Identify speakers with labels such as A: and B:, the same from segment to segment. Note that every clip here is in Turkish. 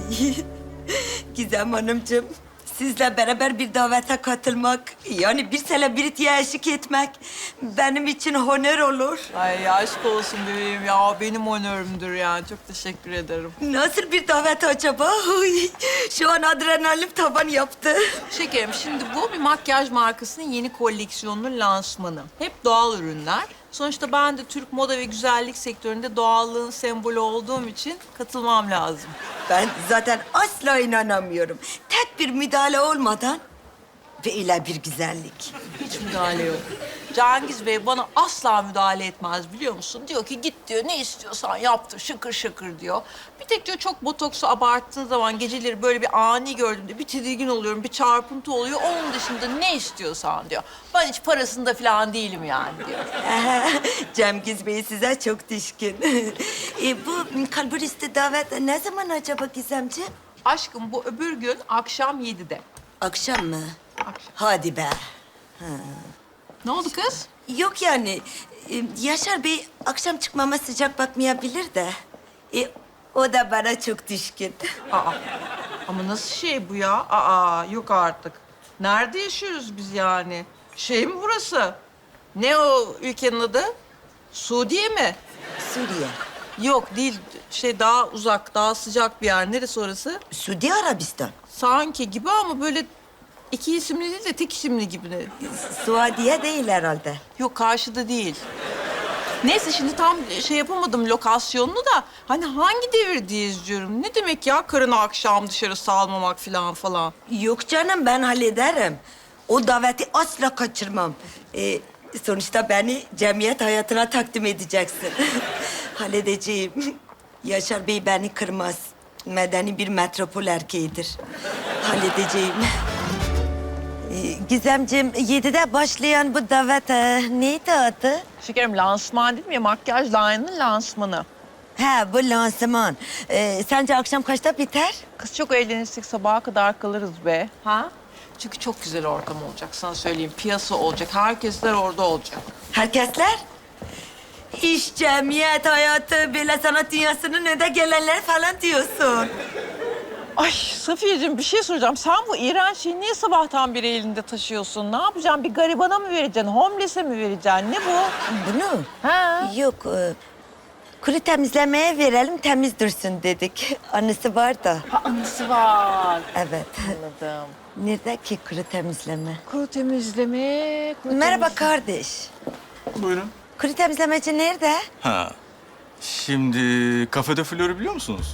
A: Gizem Hanımcığım, sizle beraber bir davete katılmak, yani bir selebritiye eşlik etmek benim için honor olur.
B: Ay aşk olsun bebeğim ya. Benim onörümdür yani. Çok teşekkür ederim.
A: Nasıl bir davet acaba? Uy, şu an adrenalin tavan yaptı.
B: Şekerim şimdi bu bir makyaj markasının yeni koleksiyonunun lansmanı. Hep doğal ürünler. Sonuçta ben de Türk moda ve güzellik sektöründe doğallığın sembolü olduğum için katılmam lazım.
A: Ben zaten asla inanamıyorum. Tek bir müdahale olmadan böyle bir güzellik.
B: Hiç müdahale yok. Cengiz Bey bana asla müdahale etmez biliyor musun? Diyor ki git diyor ne istiyorsan yaptır şıkır şıkır diyor. Bir tek diyor çok botoksu abarttığın zaman geceleri böyle bir ani gördüğümde bir tedirgin oluyorum, bir çarpıntı oluyor. Onun dışında ne istiyorsan diyor. Ben hiç parasında falan değilim yani diyor.
A: Cengiz Bey size çok düşkün. Bu kalburisti davet ne zaman acaba Gizemciğim?
B: Aşkım bu öbür gün akşam 7'de.
A: Akşam mı?
B: Akşam.
A: Hadi be.
B: Ne oldu kız?
A: Yok yani. Yaşar Bey akşam çıkmama sıcak bakmayabilir de. O da bana çok düşkün.
B: Aa, ama nasıl şey bu ya? Aa, yok artık. Nerede yaşıyoruz biz yani? Şey mi burası? Ne o ülkenin adı? Suudiye mi?
A: Suriye.
B: Yok değil. Şey daha uzak, daha sıcak bir yer. Neresi orası?
A: Suudi Arabistan.
B: Sanki gibi ama böyle iki isimli değil de tek isimli gibi.
A: Suadiye değil herhalde.
B: Yok karşıda değil. Neyse şimdi tam şey yapamadım lokasyonunu da. Hani hangi devirdeyiz diyorum. Ne demek ya karını akşam dışarı salmamak falan.
A: Yok canım ben hallederim. O daveti asla kaçırmam. Sonuçta beni cemiyet hayatına takdim edeceksin. Halledeceğim. Yaşar Bey beni kırmaz. Medeni bir metropol erkeğidir. Halledeceğim. Gizemciğim 7'de başlayan bu davet neydi adı?
B: Şekerim lansman değil mi ya? Makyaj line'ın lansmanı.
A: Ha bu lansman. Sence akşam kaçta biter?
B: Kız çok eğlenirsek sabaha kadar kalırız be. Ha? Çünkü çok güzel ortam olacak sana söyleyeyim. Piyasa olacak. Herkesler orada olacak.
A: Herkesler? İş, cemiyet hayatı, böyle sanat dünyasının önde gelenler falan diyorsun.
B: Ay Safiyeciğim bir şey soracağım. Sen bu iğrenç şeyi niye sabahtan beri elinde taşıyorsun? Ne yapacaksın? Bir garibana mı vereceksin? Homeless'e mi vereceksin? Ne bu?
A: Bunu?
B: Ha?
A: Yok, kuru temizlemeye verelim, temiz dursun dedik. Anısı var da.
B: Ha anısı var.
A: Evet.
B: Anladım.
A: Nerede ki kuru temizleme?
B: Kuru temizleme.
A: Merhaba kardeş.
C: Buyurun.
A: Kuru temizlemeci nerede?
C: Ha. Şimdi kafede Flor'u biliyor musunuz?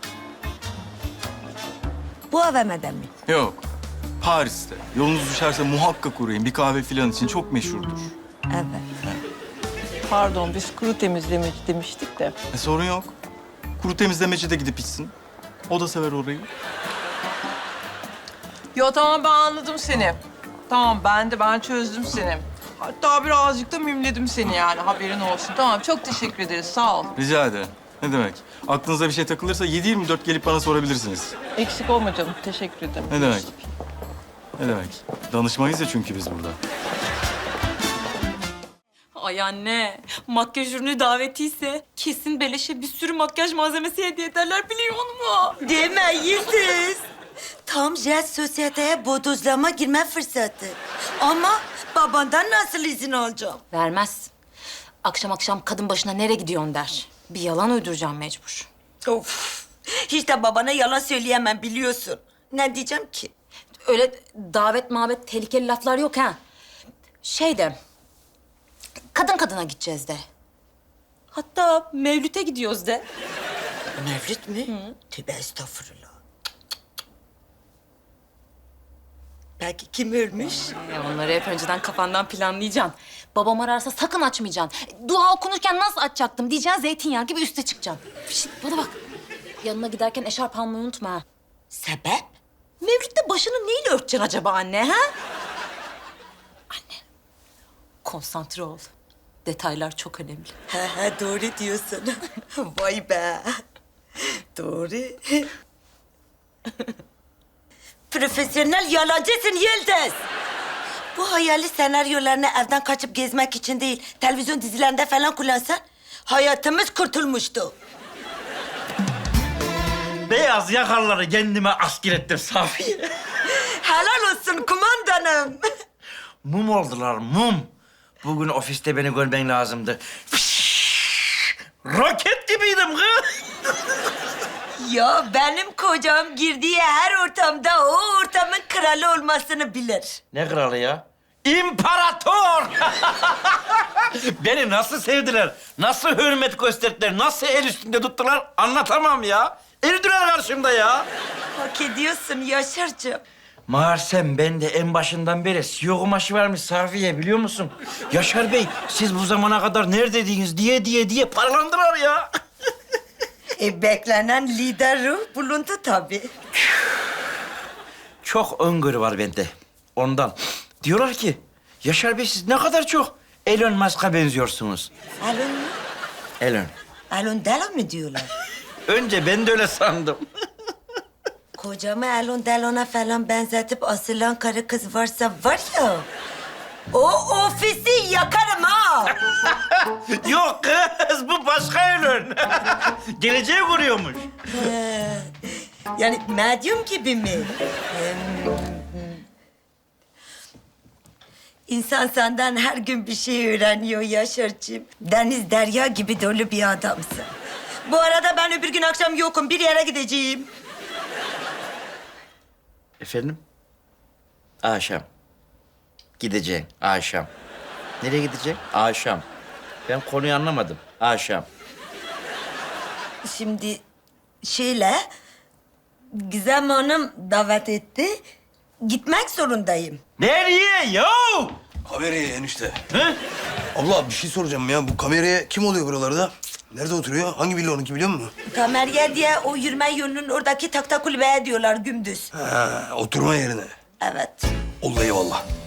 A: Bu AVM'de mi?
C: Yok. Paris'te. Yolunuz düşerse muhakkak uğrayın. Bir kahve filan için çok meşhurdur.
A: Evet.
B: Pardon biz kuru temizlemeci demiştik de.
C: Sorun yok. Kuru temizlemeci de gidip içsin. O da sever orayı.
B: Yo tamam ben anladım seni. Tamam ben çözdüm seni. Hatta birazcık da mimledim seni yani haberin olsun. Tamam çok teşekkür ederiz sağ ol.
C: Rica ederim. Ne demek? Aklınıza bir şey takılırsa 7/24 gelip bana sorabilirsiniz.
B: Eksik olma canım teşekkür ederim.
C: Ne demek? Ne demek? Danışmayız ya çünkü biz burada.
D: Ay anne, makyaj ürünü davetiyse kesin beleşe bir sürü makyaj malzemesi hediye ederler biliyor musun?
A: Deme Yıldız. Tam jet sosyeteye bodozlama girme fırsatı. Ama babandan nasıl izin alacağım?
D: Vermez. Akşam akşam kadın başına nereye gidiyorsun der. Bir yalan uyduracağım mecbur.
A: Of. Hiç de babana yalan söyleyemem biliyorsun. Ne diyeceğim ki?
D: Öyle davet mabet tehlikeli laflar yok ha. Şey de, kadın kadına gideceğiz de. Hatta Mevlüt'e gidiyoruz de.
A: Mevlüt mü? Tövbe estağfurullah. Belki kim ölmüş?
D: Onları hep önceden kafandan planlayacaksın. Babam ararsa sakın açmayacaksın. Dua okunurken nasıl açacaktım diyeceksin, zeytinyağı gibi üste çıkacaksın. Şişt, bana bak. Yanına giderken eşarp almayı unutma ha.
A: Sebep?
D: Mevlüt'te başını neyle örteceksin acaba anne ha? Anne, konsantre ol. Detaylar çok önemli.
A: He doğru diyorsun. Vay be. Doğru. Profesyonel yalancısın Yıldız. Bu hayali senaryolarını evden kaçıp gezmek için değil, televizyon dizilerinde falan kullansan hayatımız kurtulmuştu.
E: beyaz yakarları kendime asker ettim Safiye.
A: Helal olsun kumandanım.
E: Mum oldular, mum. Bugün ofiste beni görmen lazımdı. Roket gibiydim kız.
A: Ya benim kocam girdiği her ortamda o ortamın kralı olmasını bilir.
E: Ne kralı ya? İmparator! Beni nasıl sevdiler, nasıl hürmet gösterdiler, nasıl el üstünde tuttular anlatamam ya. Eridiler karşımda ya.
A: Hak ediyorsun Yaşar'cığım.
E: Meğersem ben de en başından beri CEO kumaşı varmış Safiye biliyor musun? Yaşar Bey siz bu zamana kadar neredeydiniz diye paralandılar ya.
A: Beklenen lider ruh bulundu tabii.
E: Çok öngörü var bende ondan. Diyorlar ki Yaşar Bey siz ne kadar çok Elon Musk'a benziyorsunuz.
A: Elon mu?
E: Elon.
A: Elon Delon mu diyorlar?
E: Önce ben de öyle sandım.
A: Kocamı Elon Delon'a falan benzetip asılan karı kız varsa var ya... ...o ofisi yakarım ha!
E: Yok kız bu başka Elon. Geleceği kuruyormuş.
A: Yani medyum gibi mi? İnsan senden her gün bir şey öğreniyor Yaşar'cığım. Deniz derya gibi dolu bir adamsın. Bu arada ben öbür gün akşam yokum. Bir yere gideceğim.
E: Efendim? Akşam. Gideceğim akşam. Nereye gidecek? Akşam. Ben konuyu anlamadım. Akşam.
A: Şimdi şöyle... Gizem Hanım davet etti. Gitmek zorundayım.
E: Nereye yo?
F: Kameraya enişte.
E: Hı?
F: Abla bir şey soracağım ya. Bu kameraya kim oluyor buralarda? Nerede oturuyor? Hangi villa onunki biliyor musun?
A: Kamerya diye o yürüme yolunun oradaki takta kulübeye diyorlar gündüz.
F: Ha, oturma yerine.
A: Evet.
F: Oldu eyvallah.